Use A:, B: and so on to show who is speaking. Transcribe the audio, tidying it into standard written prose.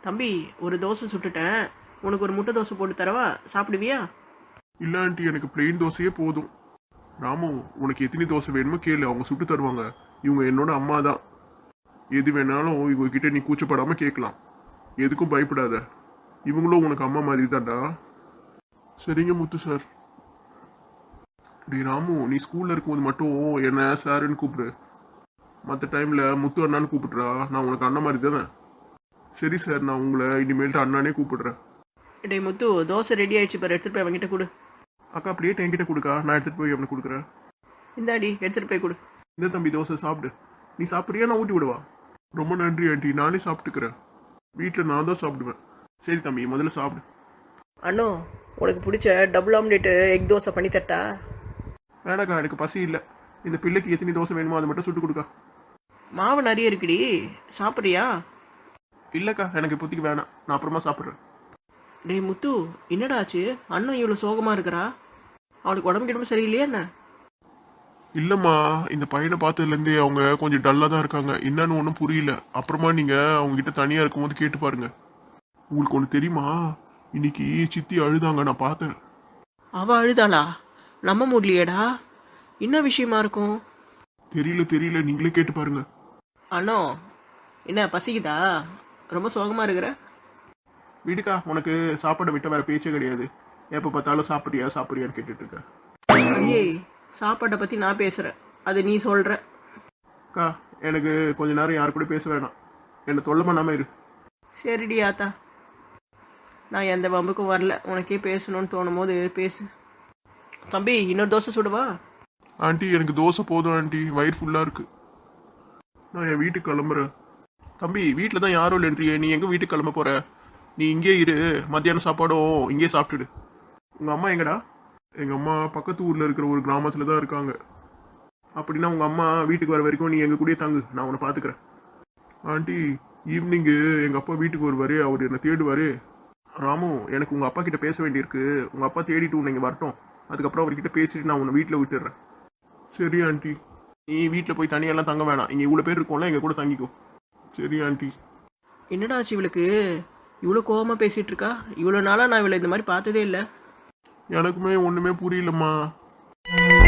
A: தம்பி ஒரு தோசை சுட்டுட்டேன், உனக்கு ஒரு முட்டை தோசை போட்டு தரவா, சாப்பிடுவியா?
B: இல்லை ஆண்டி, எனக்கு பிளெயின் தோசையே போதும். ராமு, உனக்கு எத்தனை தோசை வேணுமோ கேளு, அவங்க சுட்டு தருவாங்க. இவங்க என்னோட அம்மா தான். எது வேணாலும் இவங்க கிட்ட நீ கூச்சப்படாம கேட்கலாம். எதுக்கும் பயப்படாத. இவங்களும் உனக்கு அம்மா மாதிரி தான்டா. சரிங்க முத்து சார். டேய் ராமு, நீ ஸ்கூல்ல இருக்கும்போது மட்டும் என்ன சாருன்னு கூப்பிடு. மற்ற டைம்ல முத்து அண்ணான்னு கூப்பிடுறா. நான் உனக்கு அண்ணன் மாதிரி தானே. சரி சார், நான் உங்களை இனிமேல்ட்டு அண்ணானே கூப்பிடுறேன்.
A: டேய் முத்து, தோசை ரெடி ஆயிடுச்சு பாரு, எடுத்துட்டு போய் அவன்கிட்ட கொடு.
B: அக்கா பிளேட் என்கிட்ட கொடுக்கா, நான் எடுத்துட்டு போய் அவனுக்கு கொடுக்குறேன்.
A: இந்தாடி எடுத்துட்டு போய் கொடு.
B: இந்த தம்பி தோசை சாப்பிடு. நீ சாப்பிட்றியா, நான் ஊட்டி விடுவா? ரொம்ப நன்றி ஆண்டி, நானே சாப்பிட்டுக்கிறேன். வீட்டில் நான் தான் சாப்பிடுவேன். சரி தம்பி, முதல்ல சாப்பிடு.
A: அண்ணோ, உனக்கு பிடிச்ச டபுள் ஆம்லேட்டு எக் தோசை பண்ணி தட்டா?
B: வேணாக்கா, எனக்கு பசி இல்லை. இந்த பிள்ளைக்கு எத்தனை தோசை வேணுமோ அதை மட்டும் சுட்டு கொடுக்கா.
A: மாவு நிறைய இருக்குடி, சாப்பிட்றியா?
B: இல்லைக்கா, எனக்கு இப்போதைக்கு வேணாம், நான் அப்புறமா சாப்பிட்றேன்.
A: டேய் முத்து, என்னடா ஆச்சு? அண்ணன் இவ்வளோ சோகமாக இருக்கிறா, அவனுக்கு உடம்பு கிடம்பு சரியில்லையா என்ன?
B: இல்லைம்மா, இந்த பையனை பார்த்ததுலேருந்தே அவங்க கொஞ்சம் டல்லாக தான் இருக்காங்க. என்னன்னு ஒன்றும் புரியல. அப்புறமா நீங்கள் அவங்ககிட்ட தனியாக இருக்கும்போது கேட்டு பாருங்க. உங்களுக்கு ஒன்று தெரியுமா, இன்னைக்கு சித்தி அழுதாங்க, நான் பார்த்தேன்.
A: அவ அழுதாளா? நம்ப முடியலையேடா. என்ன விஷயமா இருக்கும்?
B: தெரியல, நீங்களே கேட்டு பாருங்க.
A: அண்ணோ, என்ன பசிக்குதா? ரொம்ப சோகமாக இருக்கிற?
B: வீடுக்கா, உனக்கு சாப்பாடை விட்ட வேற பேச்சே கிடையாது. எப்போ பார்த்தாலும் சாப்பிட்றியான்னு கேட்டுட்டு இருக்க.
A: ஐயே, சாப்பாட்டை பற்றி நான் பேசுகிறேன், அது நீ சொல்கிற.
B: அக்கா, எனக்கு கொஞ்ச நேரம் யாரு கூட பேச வேணாம். என்னை தொல்லை பண்ணாம இரு.
A: சரிடி ஆத்தா, நான் எந்த வம்புக்கும் வரல. உனக்கே பேசணும்னு தோணும் போது பேசு. தம்பி, இன்னொரு தோசை சுடுவா?
B: ஆண்டி, எனக்கு தோசை போதும் ஆண்டி, வயிறு ஃபுல்லாக இருக்கு. நான் என் வீட்டுக்கு கிளம்புறேன். தம்பி, வீட்டில் தான் யாரும் இல்லைன்றியே, நீ எங்கே வீட்டுக்கு கிளம்ப போற? நீ இங்கே இரு, மத்தியானம் சாப்பாடும் இங்கேயே சாப்பிட்டுடு. உங்கள் அம்மா எங்கடா? எங்கள் அம்மா பக்கத்து ஊரில் இருக்கிற ஒரு கிராமத்தில் தான் இருக்காங்க. அப்படின்னா உங்கள் அம்மா வீட்டுக்கு வர வரைக்கும் நீ எங்கள் கூடயே தங்கு, நான் உன்னை பார்த்துக்கிறேன். ஆண்டி, ஈவினிங்கு எங்கள் அப்பா வீட்டுக்கு வருவார், அவர் என்னை தேடுவார். ராமு, எனக்கு உங்கள் அப்பா கிட்ட பேச வேண்டியிருக்கு. உங்கள் அப்பா தேடிட்டு உன்னை இங்கே வரட்டும். அதுக்கப்புறம் அவர்கிட்ட பேசிட்டு நான் உன்னை வீட்டில் விட்டுடுறேன். சரி ஆண்டி. நீ வீட்டில் போய் தனியெல்லாம் தங்க வேணாம், இங்கே இவ்வளோ பேர் இருக்கோம்ல, எங்கள் கூட தங்கிக்கோ. சரி ஆண்டி.
A: என்னடா ஆச்சு இவளுக்கு? இவ்வளோ கோவமாக பேசிகிட்டு இருக்கா. இவ்வளோ நாளாக நான் இவளை இந்த மாதிரி பார்த்ததே இல்லை.
B: எனக்குமே ஒன்றுமே புரியலம்மா.